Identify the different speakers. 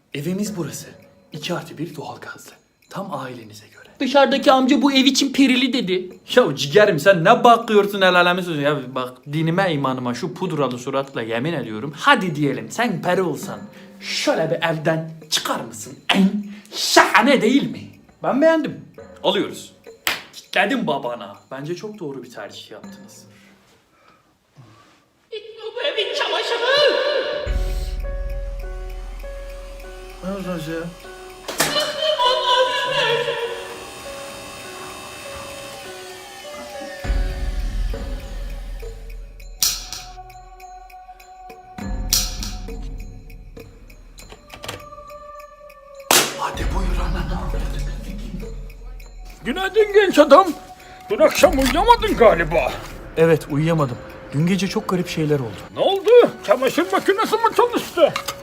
Speaker 1: Evimiz burası. 2+1 doğalgazlı. Tam ailenize göre.
Speaker 2: Dışarıdaki amca bu ev için perili dedi.
Speaker 1: Ya ciğerim sen ne bakıyorsun el alemi sözü ya bak dinime imanıma şu pudralı suratla yemin ediyorum. Hadi diyelim sen peri olsan şöyle bir evden çıkar mısın? En şahane değil mi? Ben beğendim. Alıyoruz. Kitledim babana. Bence çok doğru bir tercih yaptınız.
Speaker 2: Bu evin çamaşırı.
Speaker 1: Ne olacak ya? Hadi buyur anana.
Speaker 3: Günaydın genç adam. Dün akşam uyuyamadın galiba.
Speaker 1: Evet uyuyamadım. Dün gece çok garip şeyler oldu.
Speaker 3: Ne oldu? Çamaşır makinesi mi çalıştı?